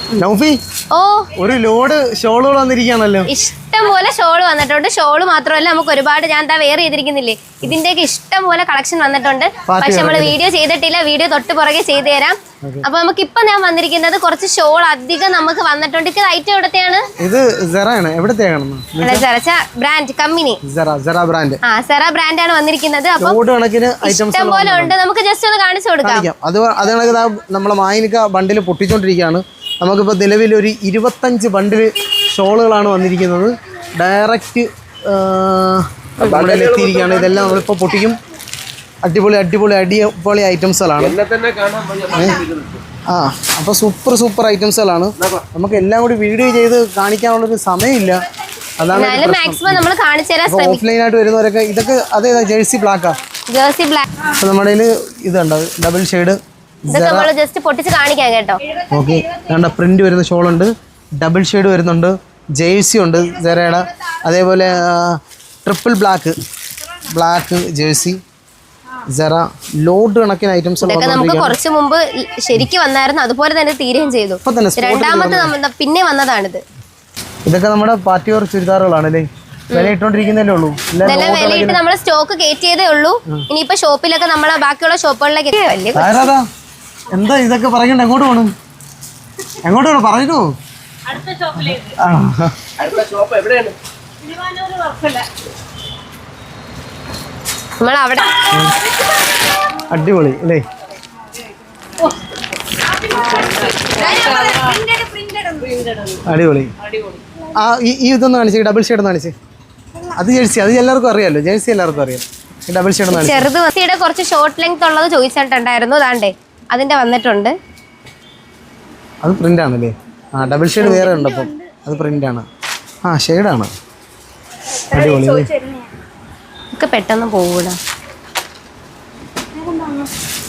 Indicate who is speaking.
Speaker 1: നൗഫി ഒരു ലോഡ് ഷോളുകൾ വന്നിരിക്കുകയാണല്ലോ.
Speaker 2: ഇഷ്ടം പോലെ ഷോൾ വന്നിട്ടുണ്ട്. ഷോള് മാത്രമല്ല നമുക്ക് ഒരുപാട് ഞാൻ വെയർ ചെയ്തിരിക്കുന്നില്ലേ ഇതിന്റെയൊക്കെ ഇഷ്ടം പോലെ കളക്ഷൻ വന്നിട്ടുണ്ട്. പക്ഷെ നമ്മൾ വീഡിയോ ചെയ്തിട്ടില്ല. വീഡിയോ തൊട്ട് പുറകെ ചെയ്തു തരാം. അപ്പൊ നമുക്ക് ഇപ്പൊ ഞാൻ വന്നിരിക്കുന്നത് കുറച്ച് ഷോൾ അധികം നമുക്ക് വന്നിട്ടുണ്ട്. ഇത് ഐറ്റം എവിടത്തെയാണ്?
Speaker 1: ഇത് സെറയാണ്. എവിടത്തെയാണ്?
Speaker 2: Brand company
Speaker 1: brand.
Speaker 2: Sera brand ആണ് വന്നിരിക്കുന്നത്. അപ്പൊ ഇഷ്ടം പോലെ ഉണ്ട്. നമുക്ക് ജസ്റ്റ് ഒന്ന് കാണിച്ചു കൊടുക്കാം.
Speaker 1: അത് നമ്മളെ മായിനിക്ക ബണ്ടിൽ പൊട്ടിച്ചോണ്ടിരിക്കുകയാണ്. നമുക്കിപ്പോൾ നിലവിൽ ഒരു 25 ബണ്ടിൽ ഷോളുകളാണ് വന്നിരിക്കുന്നത്. ഡയറക്റ്റ് നമ്മുടെ എത്തിയിരിക്കുകയാണ്. ഇതെല്ലാം നമ്മളിപ്പോൾ പൊട്ടിക്കും. അടിപൊളി ഐറ്റംസുകളാണ്. അപ്പോൾ സൂപ്പർ ഐറ്റംസുകളാണ്. നമുക്ക് എല്ലാം കൂടി വീഡിയോ ചെയ്ത് കാണിക്കാനുള്ളൊരു സമയമില്ല. അതാണ് ഓഫ്ലൈനായിട്ട് വരുന്നവരൊക്കെ ഇതൊക്കെ അതേതാ ജേഴ്സി ബ്ലാക്കാ. അപ്പോൾ നമ്മുടെ കയ്യിൽ ഇതുണ്ട് ഡബിൾ ഷെയ്ഡ്. ഓക്കെ, പ്രിന്റ് വരുന്ന ഷോളുണ്ട്, ഡബിൾ ഷെയ്ഡ് വരുന്നുണ്ട്, ജേഴ്സി ഉണ്ട് സെറയുടെ. അതേപോലെ triple black jersey Sera. Load കണക്കിന് ഐറ്റംസ്
Speaker 2: നമുക്ക് കുറച്ച് മുമ്പ് ശരിക്കും വന്നായിരുന്നു. അതുപോലെ തന്നെ തീരുകയും ചെയ്തു. രണ്ടാമത്തെ പിന്നെ വന്നതാണിത്.
Speaker 1: ഇതൊക്കെ നമ്മുടെ പാർട്ടി വെയർ ചുരിദാറുകളാണ് അല്ലേ? വില ഇട്ടോണ്ടിരിക്കുന്നതല്ലേ ഉള്ളൂ.
Speaker 2: വിലയിട്ട് നമ്മൾ സ്റ്റോക്ക് കയറ്റിയതേ ഉള്ളൂ. ഇനിയിപ്പോ ഷോപ്പിലൊക്കെ നമ്മളെ ബാക്കിയുള്ള ഷോപ്പുകളിലേക്ക്
Speaker 1: എന്താ ഇതൊക്കെ പറയണ്ട? എങ്ങോട്ട് പോകണം പറഞ്ഞിട്ടോ?
Speaker 2: നമ്മളവിടെ
Speaker 1: അടിപൊളി അല്ലേ? അടിപൊളി. ഇതൊന്ന് കാണിച്ചേ, ഡബിൾ ഷെയ്ഡ് ഒന്ന് കാണിച്ചേ. അത് ജേഴ്സി, അത് എല്ലാവർക്കും അറിയാമല്ലോ. ജേഴ്സി എല്ലാവർക്കും അറിയാം. ഡബിൾ ഷെയ്ഡ്
Speaker 2: ചെറുത് കുറച്ച് ഷോർട്ട് ലെങ്ത് ഉള്ളത് ചോദിച്ചിട്ടുണ്ടായിരുന്നു. അതാണ്ടേ അതിന്റെ വന്നിട്ടുണ്ട്.
Speaker 1: അത് പ്രിന്റ് ആണല്ലേ? ഡബിൾ ഷെയ്ഡ് വേറെ ഉണ്ട്. അപ്പം അത് പ്രിന്റ് ആണ്. ഷെയ്ഡാണ്. അടിപൊളി.
Speaker 2: ഒക്കെ പെട്ടെന്ന് പോകൂല.